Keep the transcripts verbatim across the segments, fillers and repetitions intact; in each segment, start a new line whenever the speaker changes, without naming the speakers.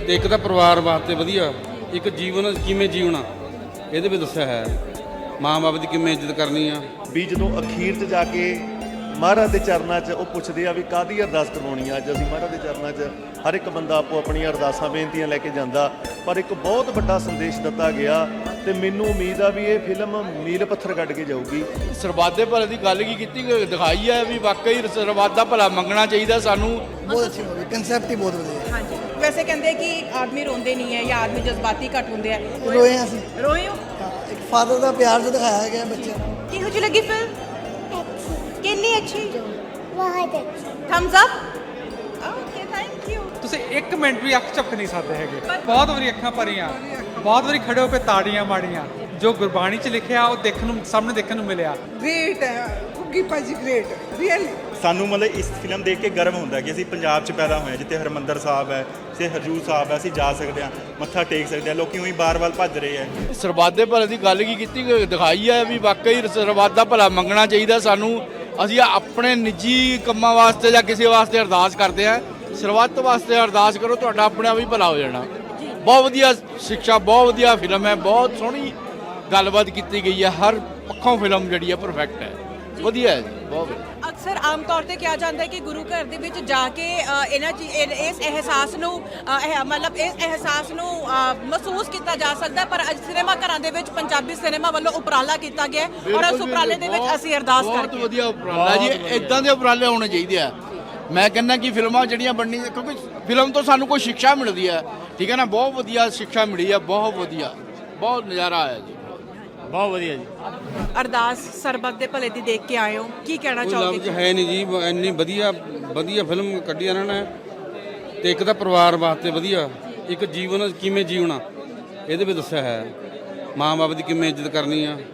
ਤੇ ਇੱਕ ਤਾਂ ਪਰਿਵਾਰ ਵਾਸਤੇ ਵਧੀਆ, ਇੱਕ ਜੀਵਨ ਕਿਵੇਂ ਜੀਵਣਾ ਇਹਦੇ ਵਿੱਚ ਦੱਸਿਆ ਹੈ। ਮਾਂ ਬਾਪ ਦੀ ਕਿਵੇਂ ਇੱਜ਼ਤ ਕਰਨੀ ਆ।
ਵੀ ਜਦੋਂ ਅਖੀਰ 'ਚ ਜਾ ਕੇ ਮਹਾਰਾਜ ਦੇ ਚਰਨਾਂ 'ਚ ਉਹ ਪੁੱਛਦੇ ਆ ਵੀ ਕਾਹਦੀ ਅਰਦਾਸ ਕਰਵਾਉਣੀ ਆ। ਅੱਜ ਅਸੀਂ ਮਹਾਰਾਜ ਦੇ ਚਰਨਾਂ 'ਚ ਹਰ ਇੱਕ ਬੰਦਾ ਆਪੋ ਆਪਣੀਆਂ ਅਰਦਾਸਾਂ ਬੇਨਤੀਆਂ ਲੈ ਕੇ ਜਾਂਦਾ, ਪਰ ਇੱਕ ਬਹੁਤ ਵੱਡਾ ਸੰਦੇਸ਼ ਦਿੱਤਾ ਗਿਆ ਤੇ ਮੈਨੂੰ ਉਮੀਦ ਆ ਵੀ ਇਹ ਫਿਲਮ ਮੀਲ ਪੱਥਰ ਕੱਢ ਕੇ ਜਾਊਗੀ।
ਸਰਬੱਤ ਦੇ ਭਲੇ ਦੀ ਗੱਲ ਕੀ ਕੀਤੀ ਦਿਖਾਈ ਹੈ ਵੀ ਵਾਕਈ ਸਰਬੱਤ ਦਾ ਭਲਾ ਮੰਗਣਾ ਚਾਹੀਦਾ ਸਾਨੂੰ।
ਬਹੁਤ ਅੱਛੀ ਮੂਵੀ, ਕਨਸੈਪਟ ਹੀ ਬਹੁਤ ਵਧੀਆ।
ਹਾਂਜੀ, ਵੈਸੇ ਕਹਿੰਦੇ ਕਿ ਆਦਮੀ ਰੋਂਦੇ ਨਹੀਂ ਹੈ ਜਾਂ ਆਦਮੀ ਜਜ਼ਬਾਤੀ ਘੱਟ ਹੁੰਦੇ ਆ।
ਰੋਏ ਹਾਂ ਅਸੀਂ।
ਰੋਏ ਹੋ?
ਹਾਂ, ਇੱਕ ਫਾਦਰ ਦਾ ਪਿਆਰ ਜੋ ਦਿਖਾਇਆ ਗਿਆ ਬੱਚਿਆਂ ਨੂੰ।
ਕਿਹੋ ਜਿਹੀ ਲੱਗੀ ਫਿਲਮ? ਕਿੰਨੀ ਅੱਛੀ?
ਬਹੁਤ ਅੱਛੀ।
Thumbs up. Okay, thank you.
ਤੁਸੀਂ ਇੱਕ ਮਿੰਟ ਵੀ ਅੱਖ ਝਪਕ ਨਹੀਂ ਸਕਦੇ ਹੈਗੇ। ਬਹੁਤ ਵਾਰੀ ਅੱਖਾਂ ਭਰੀਆਂ, ਬਹੁਤ ਵਾਰੀ ਖੜੇ ਹੋ ਕੇ ਤਾੜੀਆਂ ਮਾਰੀਆਂ। ਜੋ ਗੁਰਬਾਣੀ 'ਚ ਲਿਖਿਆ ਉਹ ਦੇਖਣ ਨੂੰ ਸਾਹਮਣੇ ਦੇਖਣ ਨੂੰ ਮਿਲਿਆ।
ਗ੍ਰੇਟ ਹੈ ਕੁੱਗੀ ਭਾਜੀ, ਗ੍ਰੇਟ ਰੀਅਲੀ।
ਸਾਨੂੰ ਮਤਲਬ ਇਸ ਫਿਲਮ ਦੇਖ ਕੇ ਗਰਵ ਹੁੰਦਾ ਕਿ ਅਸੀਂ ਪੰਜਾਬ 'ਚ ਪੈਦਾ ਹੋਏ ਹਾਂ, ਜਿੱਥੇ ਹਰਿਮੰਦਰ ਸਾਹਿਬ ਹੈ, ਜਿੱਥੇ ਹਜੂਰ ਸਾਹਿਬ ਹੈ, ਅਸੀਂ ਜਾ ਸਕਦੇ ਹਾਂ, ਮੱਥਾ ਟੇਕ ਸਕਦੇ ਹਾਂ। ਲੋਕੀ ਉਹੀ ਬਾਰ ਵੱਲ ਭੱਜ ਰਹੇ ਹੈ।
ਸਰਬੱਤ ਦੇ ਭਲੇ ਦੀ ਗੱਲ ਕੀ ਕੀਤੀ ਦਿਖਾਈ ਹੈ ਵੀ ਵਾਕਈ ਸਰਬੱਤ ਦਾ ਭਲਾ ਮੰਗਣਾ ਚਾਹੀਦਾ ਸਾਨੂੰ। ਅਸੀਂ ਆਪਣੇ ਨਿੱਜੀ ਕੰਮਾਂ ਵਾਸਤੇ ਜਾਂ ਕਿਸੇ ਵਾਸਤੇ ਅਰਦਾਸ ਕਰਦੇ ਹਾਂ, ਸਰਬੱਤ ਵਾਸਤੇ ਅਰਦਾਸ ਕਰੋ, ਤੁਹਾਡਾ ਆਪਣੇ ਆਪ ਹੀ ਭਲਾ ਹੋ ਜਾਣਾ। ਬਹੁਤ ਵਧੀਆ ਸਿੱਖਿਆ, ਬਹੁਤ ਵਧੀਆ ਫਿਲਮ ਹੈ, ਬਹੁਤ ਸੋਹਣੀ ਗੱਲਬਾਤ ਕੀਤੀ ਗਈ ਹੈ। ਹਰ ਪੱਖੋਂ ਫਿਲਮ ਜਿਹੜੀ ਹੈ ਪਰਫੈਕਟ ਹੈ, ਵਧੀਆ ਹੈ ਜੀ, ਬਹੁਤ ਵਧੀਆ।
ਅਕਸਰ ਆਮ ਤੌਰ ਤੇ ਕਿਹਾ ਜਾਂਦਾ ਹੈ ਕਿ ਗੁਰੂ ਘਰ ਦੇ ਵਿੱਚ ਜਾ ਕੇ ਅ, ਇਹਨਾਂ ਚੀ- ਇਹ- ਇਸ ਅਹਿਸਾਸ ਨੂੰ ਅ, ਇਹ ਮਤਲਬ ਇਸ ਅਹਿਸਾਸ ਨੂੰ ਅ, ਮਹਿਸੂਸ ਕੀਤਾ ਜਾ ਸਕਦਾ, ਪਰ ਅੱਜ ਸਿਨੇਮਾ ਘਰਾਂ ਦੇ ਵਿੱਚ ਪੰਜਾਬੀ ਸਿਨੇਮਾ ਵੱਲੋਂ ਉਪਰਾਲਾ ਕੀਤਾ ਗਿਆ ਹੈ ਔਰ ਉਸ ਉਪਰਾਲੇ ਦੇ ਵਿੱਚ ਅਸੀਂ ਅਰਦਾਸ
ਬਹੁਤ
ਕਰਕੇ
ਵਧੀਆ ਉਪਰਾਲਾ ਜੀ, ਇਦਾਂ ਦੇ ਉਪਰਾਲੇ ਹੋਣੇ ਚਾਹੀਦੇ ਆ। ਮੈਂ ਕਹਿੰਦਾ ਕਿ ਫਿਲਮਾਂ ਜਿਹੜੀਆਂ ਬਣਨੀਆਂ, ਕਿਉਂਕਿ ਫਿਲਮ ਤੋਂ ਸਾਨੂੰ ਕੋਈ ਸਿੱਖਿਆ ਮਿਲਦੀ ਹੈ, ਠੀਕ ਹੈ ਨਾ। ਬਹੁਤ ਵਧੀਆ ਸਿੱਖਿਆ ਮਿਲੀ ਹੈ, ਬਹੁਤ ਵਧੀਆ, ਬਹੁਤ ਨਜ਼ਾਰਾ ਆਇਆ ਜੀ, ਬਹੁਤ ਵਧੀਆ ਜੀ।
ਅਰਦਾਸ ਸਰਬੱਤ ਦੇ ਭਲੇ ਦੀ ਦੇਖ ਕੇ ਆਏ ਹੋ, ਕੀ ਕਹਿਣਾ
ਕੋਈ ਲਫ਼ਜ਼
ਚਾਹੋਗੇ?
ਹੈ ਨਹੀਂ ਜੀ, ਇੰਨੀ ਵਧੀਆ ਵਧੀਆ ਫਿਲਮ ਕੱਢੀ ਇਹਨਾਂ ਨੇ। ਤੇ ਇੱਕ ਤਾਂ ਪਰਿਵਾਰ ਵਾਸਤੇ ਵਧੀਆ, ਇੱਕ ਜੀਵਨ ਕਿਵੇਂ ਜੀਵਣਾ ਇਹਦੇ ਵਿੱਚ ਦੱਸਿਆ ਹੈ। ਮਾਂ ਬਾਪ ਦੀ ਕਿਵੇਂ ਇੱਜ਼ਤ ਕਰਨੀ ਆ।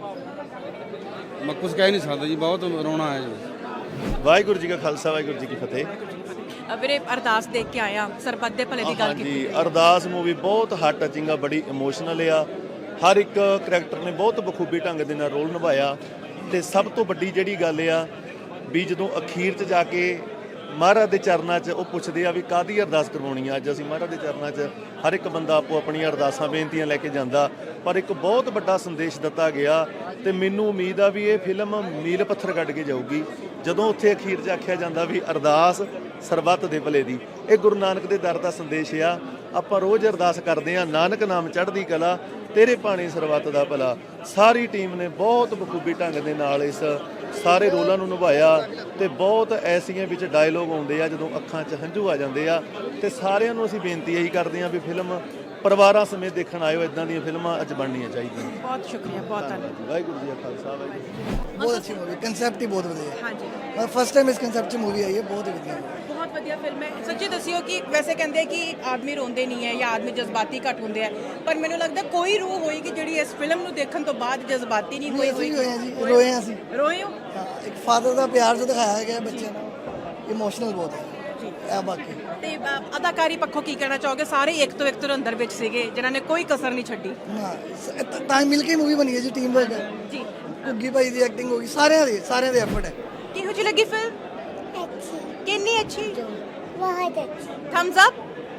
ਮੈਂ ਕੁਝ ਕਹਿ ਨਹੀਂ ਸਕਦਾ ਜੀ, ਬਹੁਤ ਰੋਣਾ ਆਇਆ ਜੀ।
ਵਾਹਿਗੁਰੂ ਜੀ ਕਾ ਖਾਲਸਾ, ਵਾਹਿਗੁਰੂ ਜੀ ਕੀ ਫਤਿਹ।
ਅ, ਵੀਰੇ ਅਰਦਾਸ ਦੇਖ ਕੇ ਆਇਆ, ਸਰਬੱਤ ਦੇ ਭਲੇ ਦੀ ਗੱਲ ਕੀਤੀ।
ਹਾਂਜੀ, ਅਰਦਾਸ ਮੂਵੀ ਬਹੁਤ ਹਾਰਟ ਟਚਿੰਗ ਆ, ਬੜੀ ਇਮੋਸ਼ਨਲ ਆ। ਹਰ ਇੱਕ ਕਰੈਕਟਰ ਨੇ ਬਹੁਤ ਬਖੂਬੀ ਢੰਗ ਦੇ ਨਾਲ ਰੋਲ ਨਿਭਾਇਆ। ਤੇ ਸਭ ਤੋਂ ਵੱਡੀ ਜਿਹੜੀ ਗੱਲ ਆ ਵੀ ਜਦੋਂ ਅਖੀਰ 'ਚ ਜਾ ਕੇ ਮਹਾਰਾਜ ਦੇ ਚਰਨਾਂ 'ਚ ਉਹ ਪੁੱਛਦੇ ਆ ਵੀ ਕਾਹਦੀ ਅਰਦਾਸ ਕਰਵਾਉਣੀ ਆ। ਅੱਜ ਅਸੀਂ ਮਹਾਰਾਜ ਦੇ ਚਰਨਾਂ 'ਚ ਹਰ ਇੱਕ ਬੰਦਾ ਆਪੋ ਆਪਣੀਆਂ ਅਰਦਾਸਾਂ ਬੇਨਤੀਆਂ ਲੈ ਕੇ ਜਾਂਦਾ, ਪਰ ਇੱਕ ਬਹੁਤ ਵੱਡਾ ਸੰਦੇਸ਼ ਦਿੱਤਾ ਗਿਆ ਤੇ ਮੈਨੂੰ ਉਮੀਦ ਆ ਵੀ ਇਹ ਫਿਲਮ ਮੀਲ ਪੱਥਰ ਕੱਢ ਕੇ ਜਾਊਗੀ। ਜਦੋਂ ਉੱਥੇ ਅਖੀਰ 'ਚ ਆਖਿਆ ਜਾਂਦਾ ਵੀ ਅਰਦਾਸ ਸਰਬੱਤ ਦੇ ਭਲੇ ਦੀ, ਇਹ ਗੁਰੂ ਨਾਨਕ ਦੇ ਦਰ ਦਾ ਸੰਦੇਸ਼ ਆ। ਆਪਾਂ ਰੋਜ਼ ਅਰਦਾਸ ਕਰਦੇ ਆ, ਨਾਨਕ ਨਾਮ ਚੜ੍ਹਦੀ ਕਲਾ, ਤੇਰੇ ਭਾਣੇ ਸਰਬੱਤ ਦਾ ਭਲਾ। ਸਾਰੀ ਟੀਮ ਨੇ ਬਹੁਤ ਬਖੂਬੀ ਢੰਗ ਦੇ ਨਾਲ ਇਸ ਸਾਰੇ ਰੋਲਾਂ ਨੂੰ ਨਿਭਾਇਆ ਤੇ ਬਹੁਤ ਐਸੀਆਂ ਵਿੱਚ ਡਾਇਲੋਗ ਆਉਂਦੇ ਆ ਜਦੋਂ ਅੱਖਾਂ 'ਚ ਹੰਝੂ ਆ ਜਾਂਦੇ ਆ। ਤੇ ਸਾਰਿਆਂ ਨੂੰ ਅਸੀਂ ਬੇਨਤੀ ਇਹੀ ਕਰਦੇ ਆ ਵੀ ਫਿਲਮ ਪਰਿਵਾਰਾਂ ਸਮੇਤ ਦੇਖਣ ਆਇਓ। ਇਦਾਂ ਦੀਆਂ ਫਿਲਮਾਂ ਅੱਜ ਬਣਨੀਆਂ ਚਾਹੀਦੀਆਂ।
ਬਹੁਤ ਸ਼ੁਕਰੀਆ, ਬਹੁਤ ਧੰਨਵਾਦ।
ਵਾਹਿਗੁਰੂ ਜੀ ਕਾ ਖਾਲਸਾ, ਵਾਹਿਗੁਰੂ ਜੀ ਕੀ ਫਤਿਹ।
ਬਹੁਤ ਅੱਛੀ ਮੂਵੀ, ਕਨਸੈਪਟ ਹੀ ਬਹੁਤ ਵਧੀਆ।
ਹਾਂਜੀ,
ਮੈਂ ਫਸਟ ਟਾਈਮ ਇਸ ਕਨਸੈਪਟ 'ਚ ਮੂਵੀ ਆਈ ਹੈ, ਬਹੁਤ ਹੀ ਵਧੀਆ।
ਬਹੁਤ ਵਧੀਆ ਫਿਲਮ ਹੈ। ਸੱਚੀ ਦੱਸਿਓ ਕਿ ਵੈਸੇ ਕਹਿੰਦੇ ਕਿ ਆਦਮੀ ਰੋਂਦੇ ਨਹੀਂ ਹੈ ਜਾਂ ਆਦਮੀ ਜਜ਼ਬਾਤੀ ਘੱਟ ਹੁੰਦੇ ਆ, ਪਰ ਮੈਨੂੰ ਲੱਗਦਾ ਕੋਈ ਰੂਹ ਹੋਏਗੀ ਜਿਹੜੀ ਇਸ ਫਿਲਮ ਨੂੰ ਦੇਖਣ ਤੋਂ ਬਾਅਦ ਜਜ਼ਬਾਤੀ ਨਹੀਂ ਹੋਈ
ਅਸੀਂ ਰੋਏ ਹਾਂ ਜੀ, ਰੋਏ ਹਾਂ ਅਸੀਂ।
ਰੋਏ ਹੋ?
ਹਾਂ, ਇੱਕ ਫਾਦਰ ਦਾ ਪਿਆਰ ਜੋ ਦਿਖਾਇਆ ਗਿਆ ਬੱਚਿਆਂ ਨੂੰ, ਇਮੋਸ਼ਨਲ ਬਹੁਤ ਹੈ ਇਹ ਬਾਕੀ।
ਤੇ ਅ, ਅਦਾਕਾਰੀ ਪੱਖੋਂ ਕੀ ਕਹਿਣਾ ਚਾਹੋਗੇ? ਸਾਰੇ ਇੱਕ ਤੋਂ ਇੱਕ ਤੋਂ ਅੰਦਰ ਵਿੱਚ ਸੀਗੇ ਜਿਨ੍ਹਾਂ ਨੇ ਕੋਈ ਕਸਰ ਨਹੀਂ ਛੱਡੀ।
ਹਾਂ, ਤਾਂ ਮਿਲ ਕੇ ਮੂਵੀ ਬਣੀ ਹੈ ਜੀ, ਟੀਮ ਵਰਕ ਹੈ
ਜੀ,
ਕੁੱਗੀ ਭਾਈ ਦੀ ਐਕਟਿੰਗ ਹੋ ਗਈ, ਸਾਰਿਆਂ ਦੀ ਸਾਰਿਆਂ ਦੇ ਐਫਰਟ ਹੈ।
ਕਿਹੋ ਜਿਹੀ ਲੱਗੀ ਫਿਲਮ?
ਅੱਛੀ।
ਕਿੰਨੀ ਅੱਛੀ?
ਬਹੁਤ ਅੱਛੀ।
Thumbs up.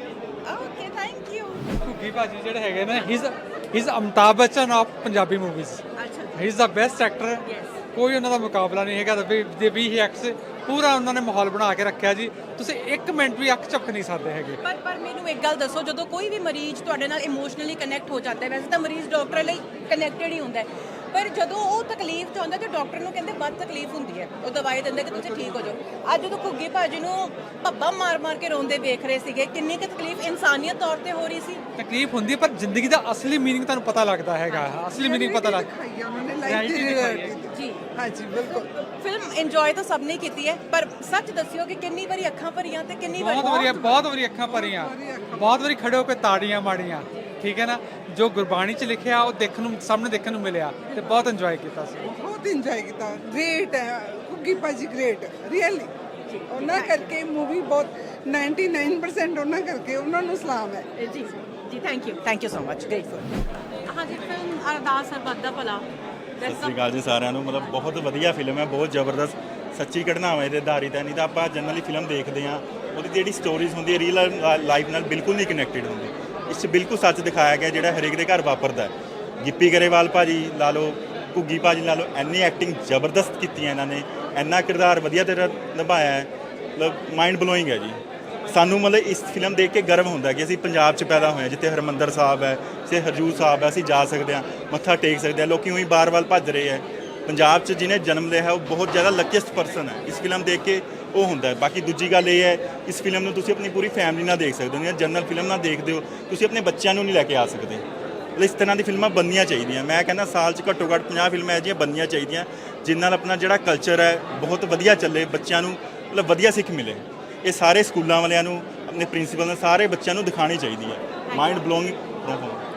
Okay, thank you.
Ghuggi ਭਾਜੀ ਜਿਹੜੇ ਹੈਗੇ ਨੇ, he is Amitabh Bachchan of Punjabi movies.
ਅੱਛਾ,
he is the best actor. ਕੋਈ ਉਹਨਾਂ ਦਾ ਮੁਕਾਬਲਾ ਨਹੀਂ ਹੈਗਾ। ਦੇ ਵੀ ਹੀ ਐਕਟਸ ਪੂਰਾ ਉਹਨਾਂ ਨੇ ਮਾਹੌਲ ਬਣਾ ਕੇ ਰੱਖਿਆ ਜੀ, ਤੁਸੀਂ ਇੱਕ ਮਿੰਟ ਵੀ ਅੱਖ ਝਪਕ ਨਹੀਂ ਸਕਦੇ ਹੈਗੇ।
ਪਰ ਪਰ ਮੈਨੂੰ ਇੱਕ ਗੱਲ ਦੱਸੋ, ਜਦੋਂ ਕੋਈ ਵੀ ਮਰੀਜ਼ ਤੁਹਾਡੇ ਨਾਲ ਇਮੋਸ਼ਨਲੀ ਕਨੈਕਟ ਹੋ ਜਾਂਦਾ ਹੈ, ਵੈਸੇ ਤਾਂ ਮਰੀਜ਼ ਡਾਕਟਰ ਲਈ ਕਨੈਕਟਡ ਹੀ ਹੁੰਦਾ ਹੈ, ਪਰ ਜਦੋਂ ਉਹ ਤਕਲੀਫ 'ਚ ਹੁੰਦਾ ਤੇ ਡਾਕਟਰ ਨੂੰ ਕਹਿੰਦੇ ਵੱਧ ਤਕਲੀਫ ਹੁੰਦੀ ਹੈ, ਉਹ ਦਵਾਈ ਦਿੰਦੇ ਕਿ ਤੁਸੀਂ ਠੀਕ ਹੋ ਜਾਓ। ਅੱਜ ਜਦੋਂ ਘੁੱਗੀ ਭਾਜੀ ਨੂੰ ਭੱਬਾ ਮਾਰ ਮਾਰ ਕੇ ਰੋਂਦੇ ਵੇਖ ਰਹੇ ਸੀਗੇ, ਕਿੰਨੀ ਕੁ ਤਕਲੀਫ ਇਨਸਾਨੀਅਤ ਤੌਰ ਤੇ ਹੋ ਰਹੀ ਸੀ।
ਤਕਲੀਫ ਹੁੰਦੀ ਹੈ, ਪਰ ਜ਼ਿੰਦਗੀ ਦਾ ਅਸਲੀ ਮੀਨਿੰਗ ਤੁਹਾਨੂੰ ਪਤਾ ਲੱਗਦਾ ਹੈਗਾ, ਅਸਲੀ ਮੀਨਿੰਗ ਪਤਾ ਲੱਗ
ਦਿਖਾਈ ਆ ਉਹਨਾਂ ਨੇ, ਲਾਈਫ ਦੀ ਰਿਐਲਿਟੀ।
ਜੀ,
ਹਾਂਜੀ, ਬਿਲਕੁਲ।
ਫਿਲਮ ਇੰਜੋਏ ਤਾਂ ਸਭ ਨੇ ਕੀਤੀ ਹੈ, ਪਰ ਸੱਚ ਦੱਸਿਓ ਕਿ ਕਿੰਨੀ ਵਾਰੀ ਅੱਖਾਂ ਭਰੀਆਂ ਤੇ ਕਿੰਨੀ ਵਾਰੀ
ਬਹੁਤ ਵਾਰੀ ਬਹੁਤ ਵਾਰੀ ਅੱਖਾਂ ਭਰੀਆਂ, ਬਹੁਤ ਵਾਰੀ ਖੜੇ ਹੋ ਕੇ ਤਾੜੀਆਂ ਮਾਰੀਆਂ, ਠੀਕ ਹੈ ਨਾ। ਜੋ ਗੁਰਬਾਣੀ 'ਚ ਲਿਖਿਆ ਉਹ ਦੇਖਣ ਨੂੰ ਸਾਹਮਣੇ ਦੇਖਣ ਨੂੰ ਮਿਲਿਆ ਤੇ ਬਹੁਤ ਇੰਜੋਏ ਕੀਤਾ ਸੀ।
ਬਹੁਤ ਇੰਜੋਏ ਕੀਤਾ। ਗ੍ਰੇਟ ਹੈ ਕੁੱਗੀ ਭਾਜੀ, ਗ੍ਰੇਟ ਰੀਅਲੀ। ਉਹਨਾਂ ਕਰਕੇ ਮੂਵੀ ਬਹੁਤ ਨਿन्यानवे परसेंट ਉਹਨਾਂ ਕਰਕੇ ਉਹਨਾਂ ਨੂੰ ਸਲਾਮ ਹੈ
ਜੀ। ਜੀ, thank you, thank you so much, grateful. ਹਾਂਜੀ, ਫਿਲਮ ਅਰਦਾਸ ਸਰਬੱਤ ਦਾ ਭਲਾ।
ਸਤਿ ਸ਼੍ਰੀ ਅਕਾਲ ਜੀ ਸਾਰਿਆਂ ਨੂੰ। ਮਤਲਬ ਬਹੁਤ ਵਧੀਆ ਫਿਲਮ ਹੈ, ਬਹੁਤ ਜ਼ਬਰਦਸਤ ਸੱਚੀ ਘਟਨਾਵਾਂ ਇਹਦੇ ਆਧਾਰਿਤ ਹੈ। ਨਹੀਂ ਤਾਂ ਆਪਾਂ ਜਨਰਲੀ ਫਿਲਮ ਦੇਖਦੇ ਹਾਂ ਉਹਦੀ ਜਿਹੜੀ ਸਟੋਰੀਜ਼ ਹੁੰਦੀ ਹੈ ਰੀਅਲ ਲਾਈਫ ਨਾਲ ਬਿਲਕੁਲ ਨਹੀਂ ਕਨੈਕਟਡ ਹੁੰਦੀ। ਇਸ 'ਚ ਬਿਲਕੁਲ ਸੱਚ ਦਿਖਾਇਆ ਗਿਆ ਜਿਹੜਾ ਹਰੇਕ ਦੇ ਘਰ ਵਾਪਰਦਾ ਹੈ। ਗਿੱਪੀ ਗਰੇਵਾਲ ਭਾਜੀ ਲਾ ਲਓ, ਘੁੱਗੀ ਭਾਜੀ ਲਾ ਲਓ, ਇੰਨੀ ਐਕਟਿੰਗ ਜ਼ਬਰਦਸਤ ਕੀਤੀ ਹੈ ਇਹਨਾਂ ਨੇ, ਇੰਨਾ ਕਿਰਦਾਰ ਵਧੀਆ ਤਰ੍ਹਾਂ ਨਿਭਾਇਆ ਹੈ, ਮਤਲਬ ਮਾਈਂਡ ਬਲੋਇੰਗ ਹੈ ਜੀ। ਸਾਨੂੰ ਮਤਲਬ ਇਸ ਫਿਲਮ ਦੇਖ ਕੇ ਗਰਵ ਹੁੰਦਾ ਕਿ ਅਸੀਂ ਪੰਜਾਬ 'ਚ ਪੈਦਾ ਹੋਏ ਹਾਂ, ਜਿੱਥੇ ਹਰਿਮੰਦਰ ਸਾਹਿਬ ਹੈ, ਜਿੱਥੇ ਹਜੂਰ ਸਾਹਿਬ ਹੈ, ਅਸੀਂ ਜਾ ਸਕਦੇ ਹਾਂ, ਮੱਥਾ ਟੇਕ ਸਕਦੇ ਹਾਂ। ਲੋਕੀ ਉਹੀ ਬਾਰ ਵੱਲ ਭੱਜ ਰਹੇ ਹੈ। ਪੰਜਾਬ 'ਚ ਜਿਹਨੇ ਜਨਮ ਲਿਆ ਹੈ ਉਹ ਬਹੁਤ ਜ਼ਿਆਦਾ ਲੱਕੀਐਸਟ ਪਰਸਨ ਹੈ। ਇਸ ਫਿਲਮ ਦੇਖ ਕੇ ਉਹ ਹੁੰਦਾ ਹੈ। ਬਾਕੀ ਦੂਜੀ ਗੱਲ ਇਹ ਹੈ, ਇਸ ਫਿਲਮ ਨੂੰ ਤੁਸੀਂ ਆਪਣੀ ਪੂਰੀ ਫੈਮਿਲੀ ਨਾਲ ਦੇਖ ਸਕਦੇ ਹੋ, ਜਾਂ ਜਨਰਲ ਫਿਲਮ ਨਾਲ ਦੇਖਦੇ ਹੋ, ਤੁਸੀਂ ਆਪਣੇ ਬੱਚਿਆਂ ਨੂੰ ਨਹੀਂ ਲੈ ਕੇ ਆ ਸਕਦੇ। ਮਤਲਬ ਇਸ ਤਰ੍ਹਾਂ ਦੀ ਫਿਲਮਾਂ ਬਣਨੀਆਂ ਚਾਹੀਦੀਆਂ। ਮੈਂ ਕਹਿੰਦਾ ਸਾਲ 'ਚ ਘੱਟੋ ਘੱਟ ਪੰਜਾਹ ਫਿਲਮਾਂ ਇਹੋ ਜਿਹੀਆਂ ਬਣਨੀਆਂ ਚਾਹੀਦੀਆਂ, ਜਿਸ ਨਾਲ ਆਪਣਾ ਜਿਹੜਾ ਕਲਚਰ ਹੈ ਬਹੁਤ ਵਧੀਆ ਚੱਲੇ, ਬੱਚਿਆਂ ਨੂੰ ਮਤਲਬ ਵਧੀਆ ਸਿੱਖ ਮਿਲੇ। ਇਹ ਸਾਰੇ ਸਕੂਲਾਂ ਵਾਲਿਆਂ ਨੂੰ, ਆਪਣੇ ਪ੍ਰਿੰਸੀਪਲ ਨੂੰ, ਸਾਰੇ ਬੱਚਿਆਂ ਨੂੰ ਦਿਖਾਉਣੀ ਚਾਹੀਦੀ ਹੈ। Mind blowing